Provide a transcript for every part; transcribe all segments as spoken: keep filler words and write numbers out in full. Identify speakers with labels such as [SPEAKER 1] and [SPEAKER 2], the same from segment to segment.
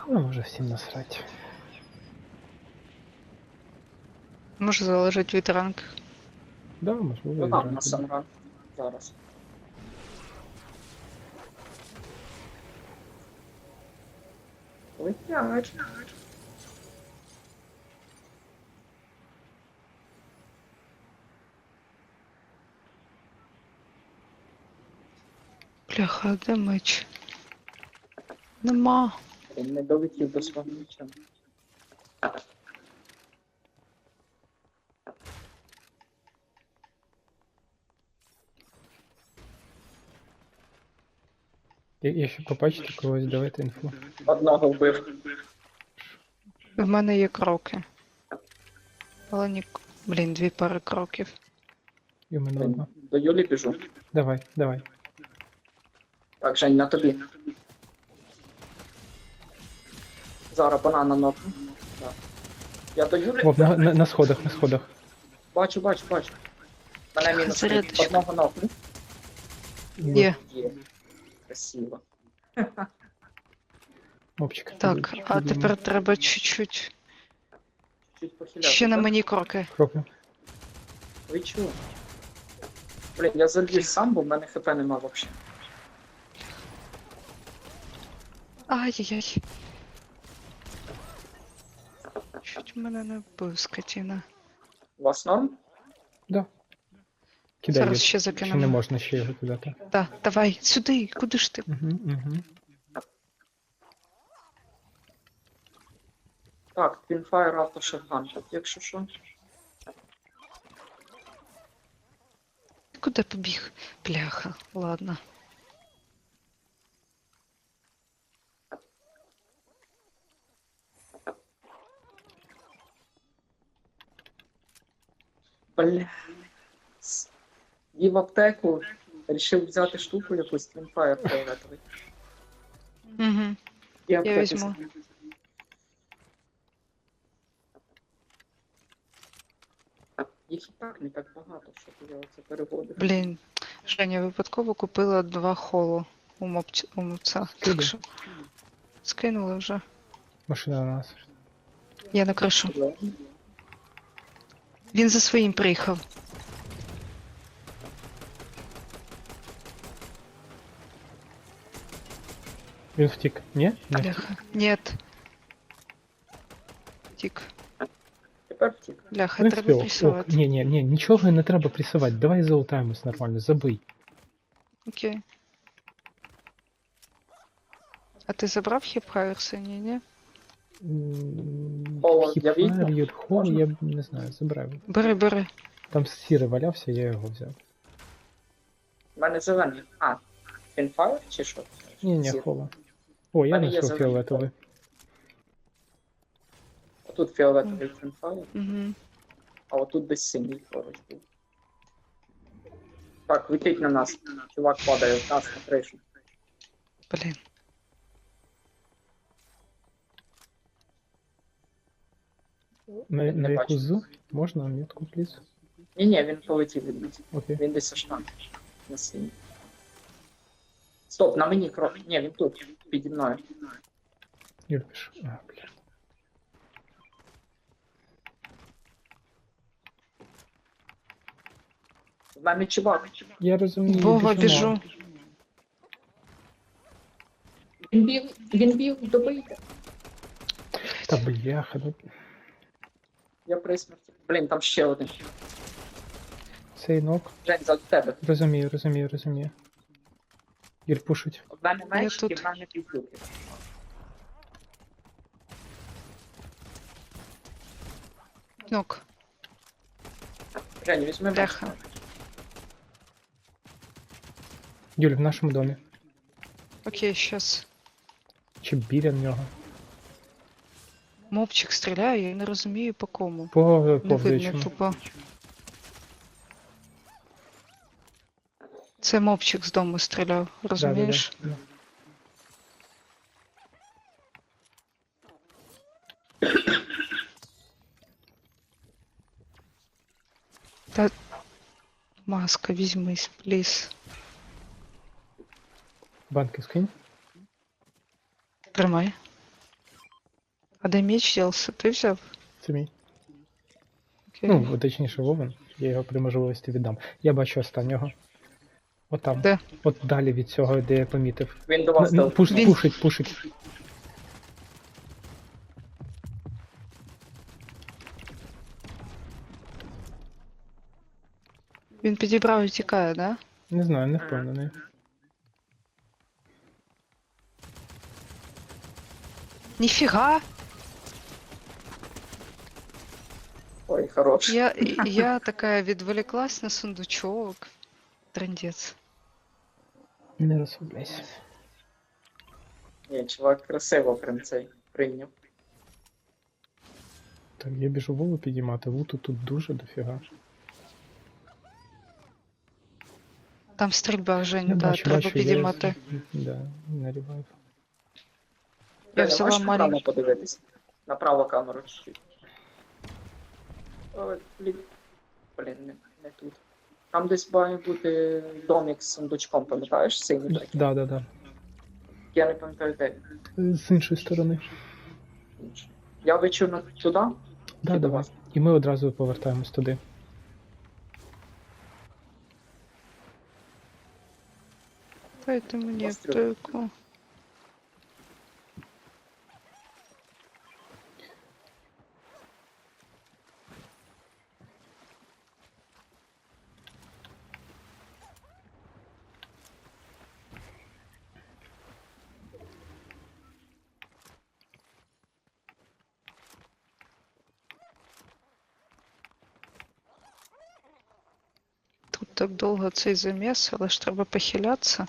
[SPEAKER 1] Ну, може всім насрать.
[SPEAKER 2] Може залежить від ранку.
[SPEAKER 1] Да, можливо,
[SPEAKER 3] Ну
[SPEAKER 1] і
[SPEAKER 3] там,
[SPEAKER 1] зранку.
[SPEAKER 3] на Санран. Зараз. Летять.
[SPEAKER 2] Бляха, а де меч? Нема.
[SPEAKER 3] Він не долетів до свого меча.
[SPEAKER 1] Я- Якщо побачите когось, давайте інфу.
[SPEAKER 3] Одного вбив.
[SPEAKER 2] В мене є кроки. Але ні. Блін, дві пари кроків.
[SPEAKER 1] І в мене одна.
[SPEAKER 3] До Юлі біжу.
[SPEAKER 1] Давай, давай.
[SPEAKER 3] Так, Жень, на тобі. Зараз банана нокну. Так. Я до Юлі.
[SPEAKER 1] Вов, на, на, на сходах, на сходах.
[SPEAKER 3] Бачу, бачу, бачу. Мене мінус три.
[SPEAKER 2] Зарядочка.
[SPEAKER 3] Одного нокну.
[SPEAKER 2] Є.
[SPEAKER 3] Є. Красиво.
[SPEAKER 1] Мопчик.
[SPEAKER 2] Так, а тепер треба чуть-чуть.
[SPEAKER 3] Чуть похиляти.
[SPEAKER 2] Ще на
[SPEAKER 3] так?
[SPEAKER 2] мені кроки.
[SPEAKER 1] Кроки.
[SPEAKER 3] Ви чого? Блін, я заліз сам, бо в мене хп нема взагалі.
[SPEAKER 2] Ай-яй-яй. Чуть мене не вбив, скотіна.
[SPEAKER 3] У вас норм?
[SPEAKER 1] Да. Кидай
[SPEAKER 2] Зараз
[SPEAKER 1] їх.
[SPEAKER 2] ще
[SPEAKER 1] Ще не
[SPEAKER 2] закинемо.
[SPEAKER 1] можна ще його кидати.
[SPEAKER 2] Так, давай, сюди, куди ж ти?
[SPEAKER 1] Угу, угу.
[SPEAKER 3] Так, Twinfire Auto Shotgun, так, якщо що.
[SPEAKER 2] Куди побіг? Бляха, ладно.
[SPEAKER 3] Бля. С- І в аптеку рішив взяти штуку якусь Twinfire фіолетовий.
[SPEAKER 2] Угу.
[SPEAKER 3] І
[SPEAKER 2] Я
[SPEAKER 3] аптеку
[SPEAKER 2] візьму.
[SPEAKER 3] собі. Їх і так не так багато, щоб я оце переводив.
[SPEAKER 2] Блін, Женя випадково купила два холу у мопці, у мопця.
[SPEAKER 1] Скидай.
[SPEAKER 2] Так що скинули вже.
[SPEAKER 1] Машина на нас.
[SPEAKER 2] Я на кришу. Він за своїм приїхав.
[SPEAKER 1] Він втік. Ні? Не втік.
[SPEAKER 2] Бляха. Нет. Тік.
[SPEAKER 3] Тепер втік.
[SPEAKER 2] Бляха,
[SPEAKER 1] Не
[SPEAKER 2] треба
[SPEAKER 1] встиг. Ох,
[SPEAKER 2] пресувати.
[SPEAKER 1] ні, ні, ні, нічого не треба пресувати. Давай залутаємось нормально, забий.
[SPEAKER 2] Окей. А ти забрав хіп-хайр синій, ні?
[SPEAKER 3] О, я
[SPEAKER 1] Хіпфайр,
[SPEAKER 3] відьма.
[SPEAKER 1] Юрхол,
[SPEAKER 3] Можна?
[SPEAKER 1] я б не знаю, забирай.
[SPEAKER 2] Бери, бери.
[SPEAKER 1] Там сірий валявся, я його взяв.
[SPEAKER 3] У мене зелений. А, Twinfire чи що?
[SPEAKER 1] Ні, ні,
[SPEAKER 3] Зір.
[SPEAKER 1] хола. О, я
[SPEAKER 3] мене є
[SPEAKER 1] знайшов
[SPEAKER 3] зелений.
[SPEAKER 1] фіолетовий.
[SPEAKER 3] Отут фіолетовий Twinfire,
[SPEAKER 2] Угу.
[SPEAKER 3] а отут десь синій поруч був. Так, летить на нас. Чувак падає в нас на кришу.
[SPEAKER 2] Блін.
[SPEAKER 1] На,
[SPEAKER 3] Не
[SPEAKER 1] на
[SPEAKER 3] бачу.
[SPEAKER 1] яку з? Можна метку, пліз?
[SPEAKER 3] Ні-ні, він полетів від нас.
[SPEAKER 1] Окей.
[SPEAKER 3] Він десь аж там. На синій. Стоп, на мені крок. Ні, він тут, піді мною.
[SPEAKER 1] Юр, пиш. А, бля.
[SPEAKER 3] В мене чувак.
[SPEAKER 1] Я розумію.
[SPEAKER 2] Вова,
[SPEAKER 1] біжимо.
[SPEAKER 2] біжу.
[SPEAKER 3] Він біг, він біг, добийте.
[SPEAKER 1] Та бляха, ну
[SPEAKER 3] Я при смерті. Блін, там ще один.
[SPEAKER 1] цей нок.
[SPEAKER 3] Жень, за тебе.
[SPEAKER 1] Розумію, розумію, розумію. Юр, пушить.
[SPEAKER 3] В мене меч
[SPEAKER 2] тут.
[SPEAKER 3] і в мене піздюки.
[SPEAKER 2] Нок.
[SPEAKER 3] Жень, візьми меч.
[SPEAKER 2] Бляха.
[SPEAKER 1] Юль, в нашому домі.
[SPEAKER 2] Окей, щас.
[SPEAKER 1] Чи біля нього?
[SPEAKER 2] Мопчик стріляє, я не розумію по кому.
[SPEAKER 1] По
[SPEAKER 2] Не видно
[SPEAKER 1] повзаючому.
[SPEAKER 2] тупо. Це мопчик з дому стріляв, розумієш?
[SPEAKER 1] Да, да, да.
[SPEAKER 2] Та маска, візьмись, пліз.
[SPEAKER 1] Банки скинь.
[SPEAKER 2] Тримай. А де меч ділся? Ти взяв?
[SPEAKER 1] Це мій.
[SPEAKER 2] Окей.
[SPEAKER 1] Ну, точніше, Вовен. Я його при можливості віддам. Я бачу останнього. Отам.
[SPEAKER 2] Де?
[SPEAKER 1] От далі від цього, де я помітив.
[SPEAKER 3] Він до
[SPEAKER 1] На-
[SPEAKER 3] вас
[SPEAKER 1] на-
[SPEAKER 3] дав.
[SPEAKER 1] Пуш,
[SPEAKER 2] Він-
[SPEAKER 1] Пушить, пушить.
[SPEAKER 2] Він підібрав і тікає, да?
[SPEAKER 1] Не знаю, не впевнений.
[SPEAKER 2] Ніфіга!
[SPEAKER 3] Ой, хорош.
[SPEAKER 2] Я, я така відволіклась на сундучок. Трындець.
[SPEAKER 1] Не розслабляйся.
[SPEAKER 3] Ні, чувак красиво прям цей прийняв.
[SPEAKER 1] Так, я біжу Вову підіймати, луту тут дуже дофіга.
[SPEAKER 2] Там стрільба, Жень,
[SPEAKER 1] Я
[SPEAKER 2] да,
[SPEAKER 1] бачу,
[SPEAKER 2] треба
[SPEAKER 1] бачу, я-
[SPEAKER 2] підіймати.
[SPEAKER 1] Да, на ревайв.
[SPEAKER 2] Я
[SPEAKER 3] Даня,
[SPEAKER 2] взяла
[SPEAKER 3] можеш направо
[SPEAKER 2] маленький.
[SPEAKER 3] подивитись? Направо камеру чуть-чуть. Ой, блін. Блін, не, не тут. Там десь має бути домик з сундучком, пам'ятаєш? Синій такий.
[SPEAKER 1] Да, да, да.
[SPEAKER 3] Я не пам'ятаю де.
[SPEAKER 1] З іншої сторони.
[SPEAKER 3] Інший. Я вичу на туди.
[SPEAKER 1] Да,
[SPEAKER 3] Чи до
[SPEAKER 1] давай.
[SPEAKER 3] вас?
[SPEAKER 1] І ми одразу повертаємось туди.
[SPEAKER 2] Дайте мені
[SPEAKER 3] Постріл.
[SPEAKER 2] аптеку. Тут так довго цей заміс, але ж треба похилятися.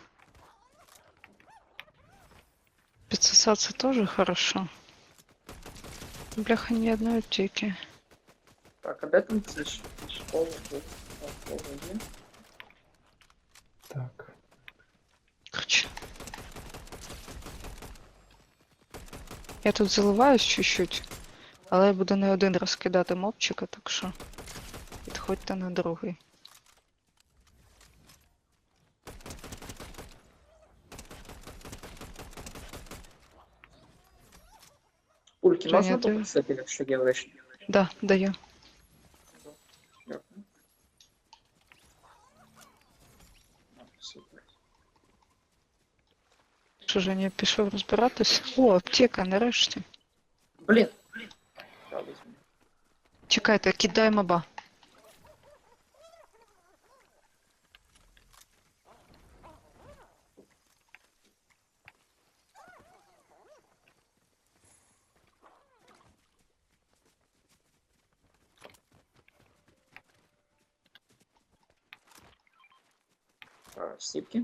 [SPEAKER 2] Підсосатися теж хорошо. Бляха, ні одної аптеки.
[SPEAKER 3] Так, а де там ці ж? Школа тут. О, школа є.
[SPEAKER 1] Так.
[SPEAKER 2] Короче. Я тут заливаюсь чуть-чуть, але я буду не один раз кидати мопчика, так що підходьте на другий.
[SPEAKER 3] Пульки
[SPEAKER 2] Женя,
[SPEAKER 3] можна
[SPEAKER 2] ти-
[SPEAKER 3] попросити, якщо є лишні?
[SPEAKER 2] Да, даю.
[SPEAKER 3] Дякую. А, супер.
[SPEAKER 2] Що, Женя, пішов розбиратись? О, аптека, нарешті.
[SPEAKER 3] Блін. Я візьму.
[SPEAKER 2] Чекайте, кидай моба.
[SPEAKER 3] А, Сіпки.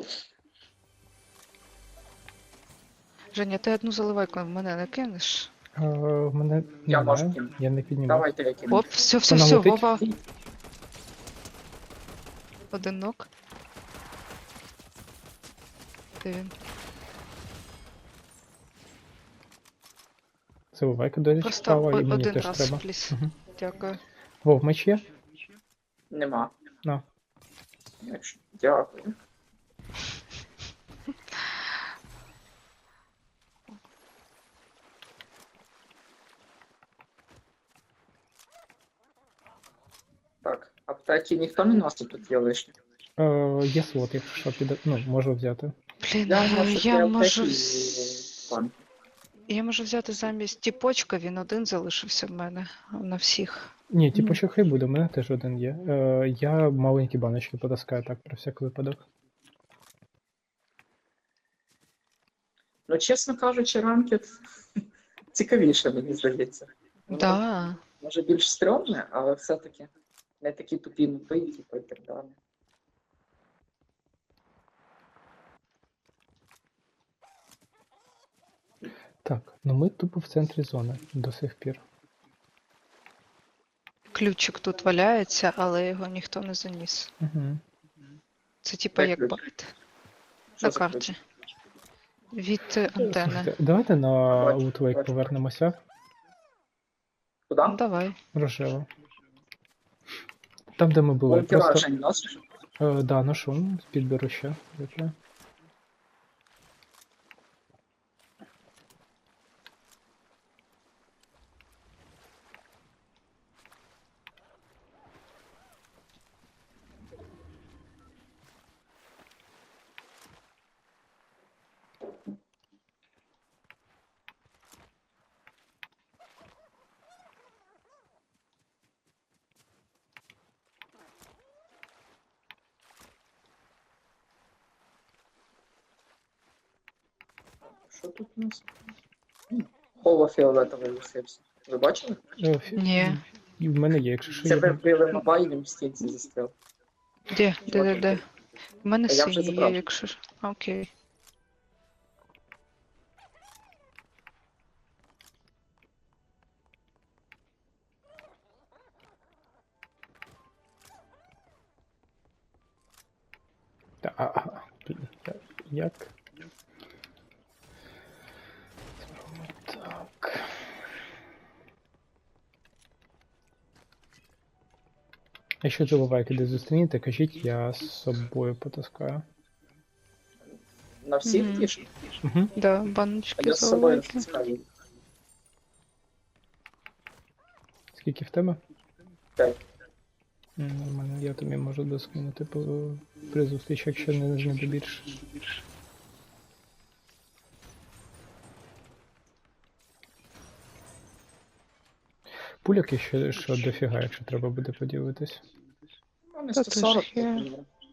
[SPEAKER 2] Женя, ти одну заливайку в мене не кинеш?
[SPEAKER 1] А, в мене
[SPEAKER 3] Я
[SPEAKER 1] немає,
[SPEAKER 3] можу кинути.
[SPEAKER 1] я не піднімав.
[SPEAKER 3] Давайте я кину.
[SPEAKER 2] Оп, все, все,
[SPEAKER 1] Вона
[SPEAKER 2] все,
[SPEAKER 1] летить?
[SPEAKER 2] Вова. Один ног. Де він?
[SPEAKER 1] Заливайка, до речі,
[SPEAKER 2] Просто
[SPEAKER 1] справа,
[SPEAKER 2] о-
[SPEAKER 1] і мені
[SPEAKER 2] один
[SPEAKER 1] теж
[SPEAKER 2] раз,
[SPEAKER 1] треба.
[SPEAKER 2] пліс.
[SPEAKER 1] Мгм.
[SPEAKER 2] Дякую.
[SPEAKER 1] Вов, меч є?
[SPEAKER 3] Нема.
[SPEAKER 1] На.
[SPEAKER 3] Якщо- Дякую. Так, аптеки ніхто не носить, тут є лишні.
[SPEAKER 1] Е, є слот, якщо що, піде. Ну, можу взяти.
[SPEAKER 2] Блін,
[SPEAKER 3] Я
[SPEAKER 2] я,
[SPEAKER 3] можу
[SPEAKER 2] я
[SPEAKER 3] три
[SPEAKER 2] можу...
[SPEAKER 3] аптеки
[SPEAKER 2] вз-
[SPEAKER 3] і пан.
[SPEAKER 2] Я можу взяти замість тіпочка, він один залишився в мене а на всіх.
[SPEAKER 1] Ні, типу, що хай буде, у мене теж один є. Е, я маленькі баночки потаскаю так, про всяк випадок.
[SPEAKER 3] Ну, чесно кажучи, ранкет цікавіше, мені здається. Воно,
[SPEAKER 2] Да.
[SPEAKER 3] Може більш стрьомне, але все-таки не такі тупі нупи, типу, і так далі.
[SPEAKER 1] Так, ну ми тупо в центрі зони до сих пір.
[SPEAKER 2] Ключик тут валяється, але його ніхто не заніс.
[SPEAKER 1] Угу.
[SPEAKER 2] Це типа
[SPEAKER 3] Де
[SPEAKER 2] як
[SPEAKER 3] ключ?
[SPEAKER 2] байт
[SPEAKER 3] Що
[SPEAKER 2] на
[SPEAKER 3] за
[SPEAKER 2] карті.
[SPEAKER 3] ключ?
[SPEAKER 2] Від е, антени.
[SPEAKER 1] Слухайте, давайте на
[SPEAKER 3] Бачу,
[SPEAKER 1] Лутвейк
[SPEAKER 3] бачу.
[SPEAKER 1] повернемося.
[SPEAKER 3] Куди?
[SPEAKER 2] Ну, давай.
[SPEAKER 1] Рожево. Там, де ми були,
[SPEAKER 3] Бункера
[SPEAKER 1] просто.
[SPEAKER 3] Жень носиш?
[SPEAKER 1] Е, да, ношу, підберу ще. Добре.
[SPEAKER 3] Що тут у нас? М, Холо-фіолетовий лишився. Ви бачили?
[SPEAKER 1] Е, фі-
[SPEAKER 2] Ні.
[SPEAKER 1] І в мене є, якщо що
[SPEAKER 3] Це
[SPEAKER 1] є.
[SPEAKER 3] ви вбили мобайлем в стінці застряв.
[SPEAKER 2] Де? Де, де, де? У мене
[SPEAKER 3] Та я вже
[SPEAKER 2] синій є,
[SPEAKER 3] забрав.
[SPEAKER 2] якщо ж. Окей.
[SPEAKER 1] Та, а, а, блін, я- як? Зробимо так. Якщо забувайте, де зустрінете, кажіть, я з собою потаскаю.
[SPEAKER 3] На всіх
[SPEAKER 2] Мгм.
[SPEAKER 3] тішки?
[SPEAKER 1] Угу.
[SPEAKER 2] Да,
[SPEAKER 3] А
[SPEAKER 2] баночки
[SPEAKER 3] я з собою
[SPEAKER 2] заливки.
[SPEAKER 3] стискаю.
[SPEAKER 1] Скільки в тебе?
[SPEAKER 3] П'ять.
[SPEAKER 1] М, Нормально, я тобі можу доскинути по при зустрічі, якщо не знайду більше. Пуляк є ще що дофіга, якщо треба буде поділитись.
[SPEAKER 3] Ну, не
[SPEAKER 2] Та
[SPEAKER 3] сто сорок.
[SPEAKER 2] теж є.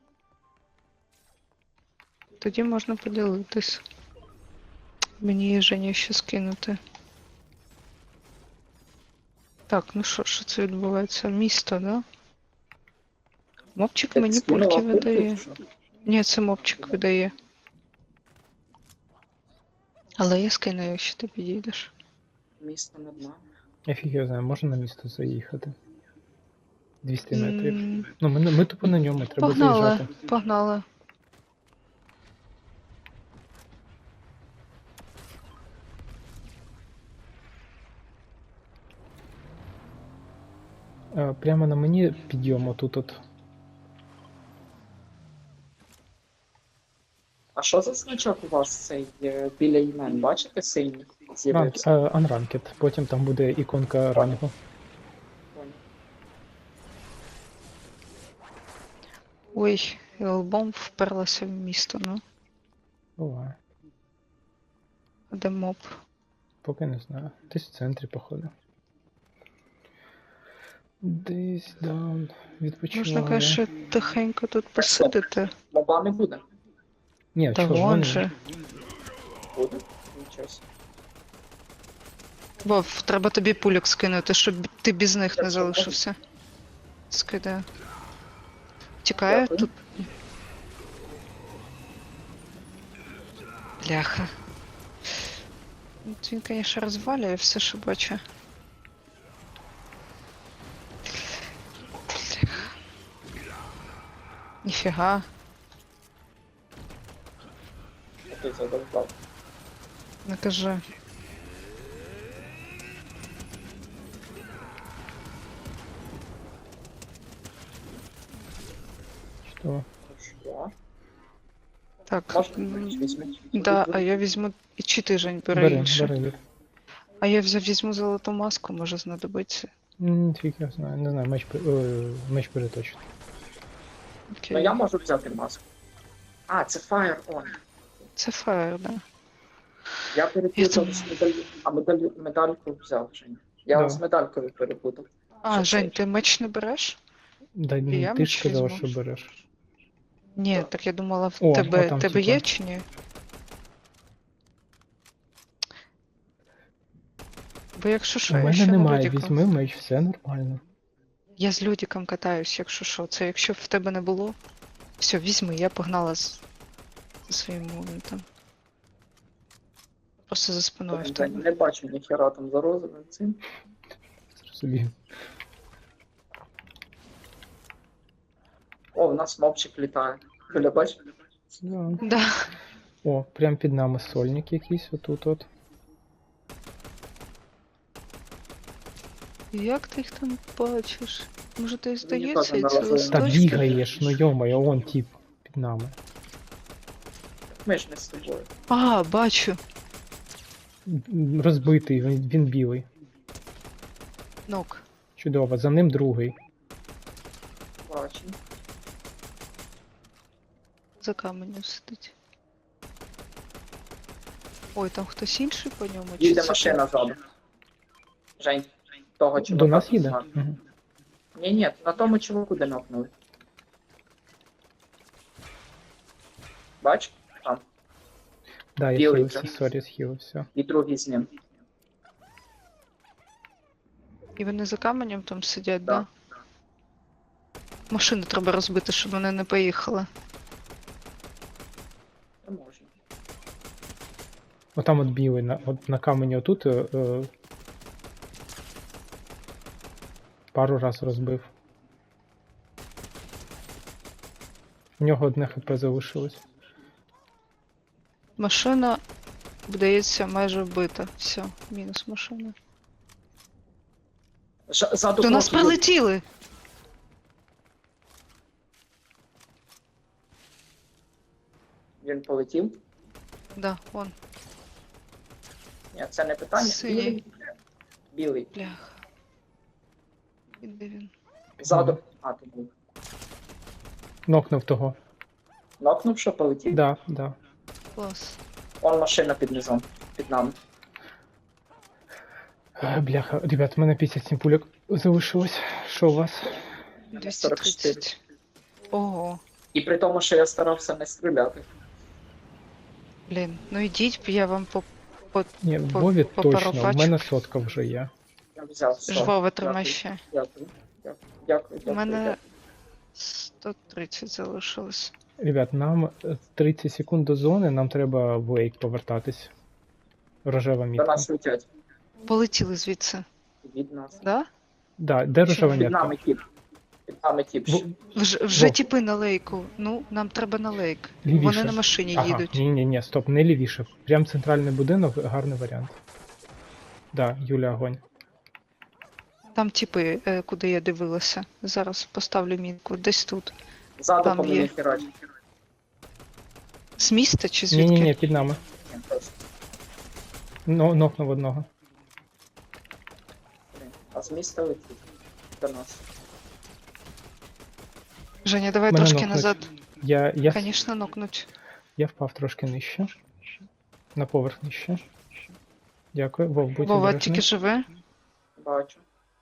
[SPEAKER 2] Тоді можна поділитись. Мені Женя ще скинути. Так, ну що, що це відбувається? Місто, да? Мопчик мені пульки видає. Ні, це мопчик видає. Але я скину, якщо ти підійдеш.
[SPEAKER 3] Місто над нами.
[SPEAKER 1] Я фіг його знаю, можна на місто заїхати. двісті метрів.
[SPEAKER 2] М,
[SPEAKER 1] Ну, ми, ми тупо на ньому, треба
[SPEAKER 2] Погнали,
[SPEAKER 1] заїжджати.
[SPEAKER 2] погнали.
[SPEAKER 1] Е, Прямо на мені підйом отут от.
[SPEAKER 3] А що за значок у вас цей е, біля імен? Бачите, синій
[SPEAKER 1] Ранк,
[SPEAKER 3] з'явився?
[SPEAKER 1] е, Unranked. Потім там буде іконка рангу.
[SPEAKER 2] Ой, і лбом вперлася в місто, ну.
[SPEAKER 1] Буває.
[SPEAKER 2] А де моп?
[SPEAKER 1] Поки не знаю. Десь в центрі, походу. Десь даун. Відпочиває.
[SPEAKER 2] Можна, конечно, тихенько тут посидити.
[SPEAKER 3] Моба не буде.
[SPEAKER 1] Ні,
[SPEAKER 2] Та
[SPEAKER 1] чого, в
[SPEAKER 2] вон
[SPEAKER 1] мене-
[SPEAKER 2] же.
[SPEAKER 3] Буде? Нічого собі.
[SPEAKER 2] Вов, треба тобі пульок скинути, щоб ти без них
[SPEAKER 3] Я
[SPEAKER 2] не
[SPEAKER 3] все
[SPEAKER 2] залишився. Скидаю. Тікає
[SPEAKER 3] Дякую.
[SPEAKER 2] тут. Бляха. Ну, Він, конечно, розвалює все, що бачу. Бляха. Ніфіга.
[SPEAKER 3] Ти задовбав.
[SPEAKER 2] Не кажи.
[SPEAKER 1] Що?
[SPEAKER 3] Що?
[SPEAKER 2] Так.
[SPEAKER 3] Можна
[SPEAKER 2] м,
[SPEAKER 3] візьміть?
[SPEAKER 2] Да, а я візьму. І чи ти, Жень, бери
[SPEAKER 1] Бери,
[SPEAKER 2] інше.
[SPEAKER 1] бери, бери.
[SPEAKER 2] А я взяв візьму золоту маску, може знадобиться.
[SPEAKER 1] М, Фіг я знаю, не знаю, меч, пе- ой, меч бери точно.
[SPEAKER 2] Окей.
[SPEAKER 3] Ну я можу взяти маску. А, це Fire On.
[SPEAKER 2] Це фаєр, да.
[SPEAKER 3] Я перепутав
[SPEAKER 2] Я
[SPEAKER 3] з медаль... А медаль... медальку взяв, Жень. Я
[SPEAKER 1] Да.
[SPEAKER 3] з медалькою перепутав.
[SPEAKER 2] А,
[SPEAKER 3] Що
[SPEAKER 2] Жень,
[SPEAKER 3] це?
[SPEAKER 2] ти меч не береш?
[SPEAKER 1] Да,
[SPEAKER 2] І я
[SPEAKER 1] ну, ти
[SPEAKER 2] меч
[SPEAKER 1] ж сказала,
[SPEAKER 2] візьму.
[SPEAKER 1] що береш.
[SPEAKER 2] Ні,
[SPEAKER 3] Так.
[SPEAKER 2] так я думала, в
[SPEAKER 1] О,
[SPEAKER 2] тебе,
[SPEAKER 1] а там,
[SPEAKER 2] тебе
[SPEAKER 1] типа.
[SPEAKER 2] є чи ні? Бо якщо що,
[SPEAKER 1] У
[SPEAKER 2] я
[SPEAKER 1] мене
[SPEAKER 2] ще на
[SPEAKER 1] немає,
[SPEAKER 2] Людіку.
[SPEAKER 1] візьми меч, все нормально.
[SPEAKER 2] Я з Людіком катаюсь, якщо що. Це якщо б в тебе не було. Все, візьми, я погнала з, зі своїм моментом. Просто за спиною в
[SPEAKER 3] Я
[SPEAKER 2] тебе.
[SPEAKER 3] не бачу ніхера там за розовим цим.
[SPEAKER 1] Зрозумів.
[SPEAKER 3] О, в нас мопчик літає. Біля бачиш?
[SPEAKER 1] Да.
[SPEAKER 2] Да.
[SPEAKER 1] О, прям під нами сольник якийсь отут от.
[SPEAKER 2] Як ти їх там бачиш? Може ти
[SPEAKER 3] Мені
[SPEAKER 2] здається,
[SPEAKER 3] теж
[SPEAKER 2] і це
[SPEAKER 3] наразі-
[SPEAKER 1] Та
[SPEAKER 2] листочки?
[SPEAKER 1] бігаєш, ну йомає, он тип під нами.
[SPEAKER 3] Ми ж не з тобою.
[SPEAKER 2] А, бачу.
[SPEAKER 1] М, Розбитий, він, він білий.
[SPEAKER 2] Нок.
[SPEAKER 1] Чудово, за ним другий.
[SPEAKER 3] Бачу.
[SPEAKER 2] За каменем сидить. Ой, там хтось інший по ньому? чи
[SPEAKER 3] Їде
[SPEAKER 2] це
[SPEAKER 3] машина
[SPEAKER 2] ти?
[SPEAKER 3] ззаду. Жень, того чувака.
[SPEAKER 1] До нас їде?
[SPEAKER 3] знаю.
[SPEAKER 1] Угу.
[SPEAKER 3] Ні, ні, на тому чуваку де нокнули. Бач? Там.
[SPEAKER 1] Да, я
[SPEAKER 3] Білий
[SPEAKER 1] схилився,
[SPEAKER 3] вже.
[SPEAKER 1] сорі, схилився.
[SPEAKER 3] І другий з ним.
[SPEAKER 2] І вони за каменем там сидять,
[SPEAKER 3] Да.
[SPEAKER 2] да? Машину треба розбити, щоб вони не поїхали.
[SPEAKER 3] Не можна.
[SPEAKER 1] Отам от білий, на, от на камені отут е, е, пару раз розбив. У нього одне хп залишилось.
[SPEAKER 2] Машина, здається, майже вбита. Все, мінус машина.
[SPEAKER 3] Ж, ззаду
[SPEAKER 2] До нас
[SPEAKER 3] кнопки.
[SPEAKER 2] прилетіли!
[SPEAKER 3] Він полетів.
[SPEAKER 2] Да, вон,
[SPEAKER 3] Ні, це не питання.
[SPEAKER 2] Синій.
[SPEAKER 3] Білий. Білий.
[SPEAKER 2] бляха. І де він?
[SPEAKER 3] Ззаду. А, ти був.
[SPEAKER 1] Нокнув того.
[SPEAKER 3] Нокнув, що полетів?
[SPEAKER 1] Да, да.
[SPEAKER 2] Клас.
[SPEAKER 3] Вон машина під низом. Під нами.
[SPEAKER 1] Е, Бляха, ребят, у мене п'ятдесят сім пульок залишилось. Що у вас?
[SPEAKER 2] двісті
[SPEAKER 3] сорок чотири.
[SPEAKER 2] тридцять. Ого.
[SPEAKER 3] І при тому, що я старався не стріляти.
[SPEAKER 2] Блін, ну йдіть, я вам по, по
[SPEAKER 1] Ні, в
[SPEAKER 2] По-
[SPEAKER 1] Вові
[SPEAKER 2] по
[SPEAKER 1] точно,
[SPEAKER 2] пару
[SPEAKER 1] в
[SPEAKER 2] пачок.
[SPEAKER 1] мене сотка вже є.
[SPEAKER 3] Я взяв все.
[SPEAKER 2] жваве
[SPEAKER 3] Дякую,
[SPEAKER 2] тримай ще.
[SPEAKER 3] Дякую. Дякую. Дякую.
[SPEAKER 2] У
[SPEAKER 3] дякую,
[SPEAKER 2] мене
[SPEAKER 3] дякую.
[SPEAKER 2] сто тридцять залишилось.
[SPEAKER 1] Ребят, нам е, тридцять секунд до зони, нам треба в лейк повертатись. Рожева
[SPEAKER 3] До
[SPEAKER 1] мітка.
[SPEAKER 3] нас летять.
[SPEAKER 2] Полетіли звідси,
[SPEAKER 3] Від нас.
[SPEAKER 2] да?
[SPEAKER 1] Да, де рожева
[SPEAKER 3] Під
[SPEAKER 1] мітка?
[SPEAKER 3] нами тіп. Під нами тіп.
[SPEAKER 1] В-
[SPEAKER 2] Вже, вже
[SPEAKER 1] Во.
[SPEAKER 2] тіпи на лейку. Ну, нам треба на лейк.
[SPEAKER 1] Лівіше.
[SPEAKER 2] Вони на машині
[SPEAKER 1] Ага,
[SPEAKER 2] їдуть.
[SPEAKER 1] ні, ні, ні, стоп, не лівіше. Прям центральний будинок, гарний варіант. Да, Юля, огонь.
[SPEAKER 2] Там тіпи, е, куди я дивилася. Зараз поставлю мінку. Десь тут.
[SPEAKER 3] Ззаду
[SPEAKER 2] там
[SPEAKER 3] по мені
[SPEAKER 2] є.
[SPEAKER 3] херачить.
[SPEAKER 2] З міста чи
[SPEAKER 1] Ні,
[SPEAKER 2] звідки?
[SPEAKER 1] ні, ні, під нами. Но, нокнув одного.
[SPEAKER 3] А з міста летить. До нас.
[SPEAKER 2] Женя, давай
[SPEAKER 1] Мене
[SPEAKER 2] трошки
[SPEAKER 1] нокнуть.
[SPEAKER 2] назад.
[SPEAKER 1] Я, я,
[SPEAKER 2] Звісно, нокнуть.
[SPEAKER 1] я впав трошки нижче. На поверх нижче. Дякую. Вов, будь
[SPEAKER 2] Вова
[SPEAKER 1] обережний.
[SPEAKER 2] тільки живе.
[SPEAKER 3] Бачу.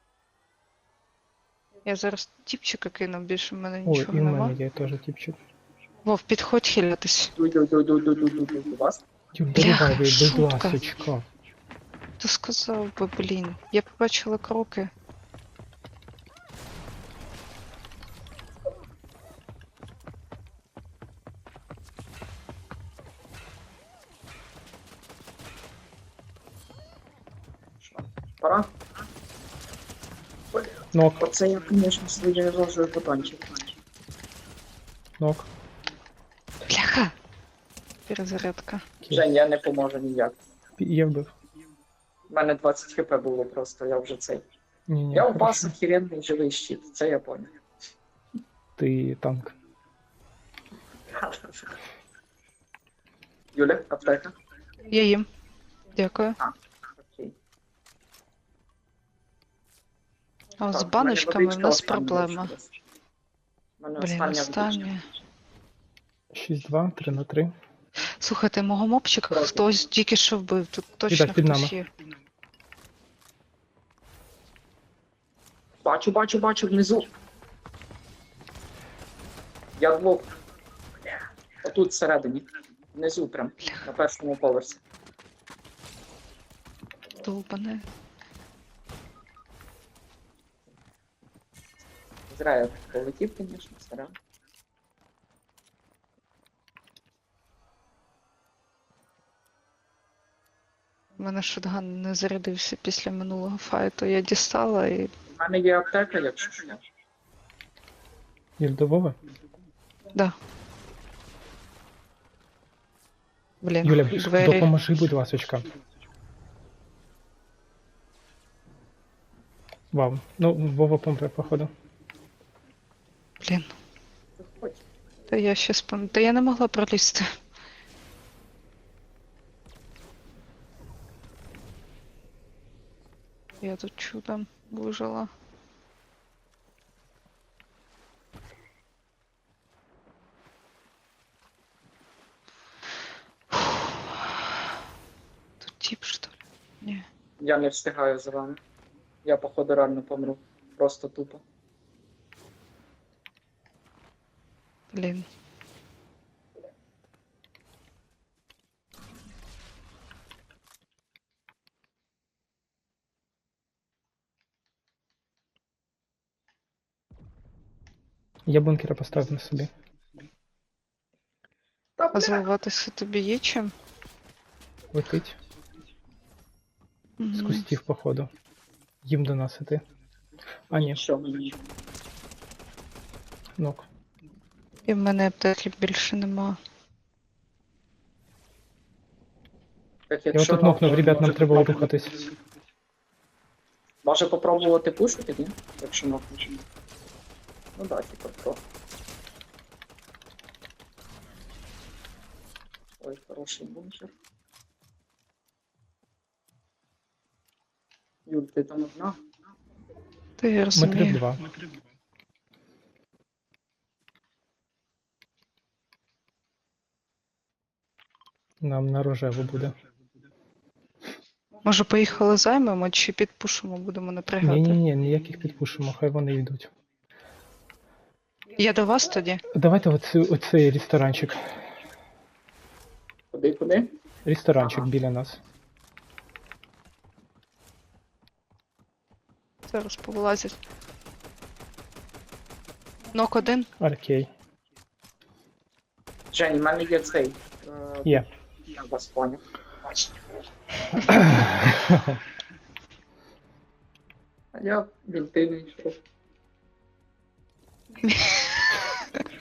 [SPEAKER 2] Я зараз тіпчика кину, більше в мене
[SPEAKER 1] Ой,
[SPEAKER 2] нічого
[SPEAKER 1] і в
[SPEAKER 2] нема.
[SPEAKER 1] мене є теж тіпчик.
[SPEAKER 2] Вов, підходь хилятись.
[SPEAKER 3] Дуй, дуй, дуй, дуй, дуй, дуй, дуй, дуй, до вас.
[SPEAKER 1] Юль,
[SPEAKER 2] Бляха,
[SPEAKER 1] доривай, будь
[SPEAKER 2] шутка.
[SPEAKER 1] ласочка.
[SPEAKER 2] Ти сказав би, блін. Я побачила кроки.
[SPEAKER 3] Що? Пора?
[SPEAKER 1] Нок,
[SPEAKER 3] Оце я, звісно, свої розовий батончик.
[SPEAKER 1] нок.
[SPEAKER 2] Бляха! Перезарядка.
[SPEAKER 3] Жень, я не поможу ніяк.
[SPEAKER 1] Я вбив.
[SPEAKER 3] У мене двадцять хп було просто, я вже цей.
[SPEAKER 1] Ні, ні,
[SPEAKER 3] Я
[SPEAKER 1] хорошо.
[SPEAKER 3] упас охеренний живий щит, це я понял.
[SPEAKER 1] Ти танк.
[SPEAKER 3] Юля, аптека?
[SPEAKER 2] Я їм. Дякую.
[SPEAKER 3] Окей.
[SPEAKER 2] А з
[SPEAKER 3] Так,
[SPEAKER 2] баночками
[SPEAKER 3] в
[SPEAKER 2] в
[SPEAKER 3] мене
[SPEAKER 2] нас
[SPEAKER 3] водичка остання
[SPEAKER 2] проблема.
[SPEAKER 3] лишилась. В мене
[SPEAKER 2] Блін,
[SPEAKER 3] остання водичка.
[SPEAKER 2] останнє.
[SPEAKER 1] шість два, три на три.
[SPEAKER 2] Слухайте, мого мопчика
[SPEAKER 3] Проти.
[SPEAKER 2] хтось тільки що вбив. Тут точно
[SPEAKER 1] Відак, під
[SPEAKER 2] хтось
[SPEAKER 1] нами.
[SPEAKER 2] є.
[SPEAKER 3] Бачу, бачу, бачу внизу. Я двох. Отут всередині. Внизу прям. На першому поверсі.
[SPEAKER 2] Долбане.
[SPEAKER 3] Зря я полетів, звісно, зря.
[SPEAKER 2] У мене шотган не зарядився після минулого файту. Я дістала і.
[SPEAKER 3] У мене є аптека, якщо що.
[SPEAKER 1] Юль, до Вови?
[SPEAKER 2] Да. Блін,
[SPEAKER 1] Юля,
[SPEAKER 2] двері.
[SPEAKER 1] допоможи, будь ласочка. Вау. Ну, Вова помре, походу.
[SPEAKER 2] Блін.
[SPEAKER 3] Заходь.
[SPEAKER 2] Та я ще спам... Та я не могла пролізти. Я тут чудом вижила. Тут тип, что ли? Ні.
[SPEAKER 3] Я не встигаю за вами. Я, походу, реально помру. Просто тупо.
[SPEAKER 2] Блін.
[SPEAKER 1] Я бункера поставив на собі.
[SPEAKER 3] Та
[SPEAKER 2] А
[SPEAKER 3] бля,
[SPEAKER 2] заливатися тобі є чим?
[SPEAKER 1] Летить. З
[SPEAKER 2] Мгм.
[SPEAKER 1] кустів, походу. Їм до нас іти. А, ні,
[SPEAKER 3] що мені?
[SPEAKER 1] нок.
[SPEAKER 2] І в мене аптеки більше нема.
[SPEAKER 3] Так,
[SPEAKER 1] Я
[SPEAKER 3] якщо
[SPEAKER 1] отут нокнув,
[SPEAKER 3] нам-
[SPEAKER 1] ребят, нам
[SPEAKER 3] може
[SPEAKER 1] треба
[SPEAKER 3] попробувати-
[SPEAKER 1] рухатись.
[SPEAKER 3] Може попробувати пушити, ні? Якщо нокнеш. Ну да, типа про. Ой, хороший бункер. Юль, ти там одна?
[SPEAKER 2] Та я
[SPEAKER 1] Ми три в
[SPEAKER 2] розумію.
[SPEAKER 1] два. Нам на рожеву буде.
[SPEAKER 2] Може поїхали займемо чи підпушимо, будемо напрягати?
[SPEAKER 1] Ні-ні-ні, ніяких підпушимо, хай вони йдуть.
[SPEAKER 2] Я до вас тоді?
[SPEAKER 1] Давайте оцей, оцей ресторанчик.
[SPEAKER 3] Куди, куди?
[SPEAKER 1] Ресторанчик
[SPEAKER 3] Ага.
[SPEAKER 1] біля нас.
[SPEAKER 2] Зараз повилазять. Нок один.
[SPEAKER 1] Окей.
[SPEAKER 3] Жень, в мене є цей. Е,
[SPEAKER 1] Є.
[SPEAKER 3] Я вас поняв. А я бінти не йшов.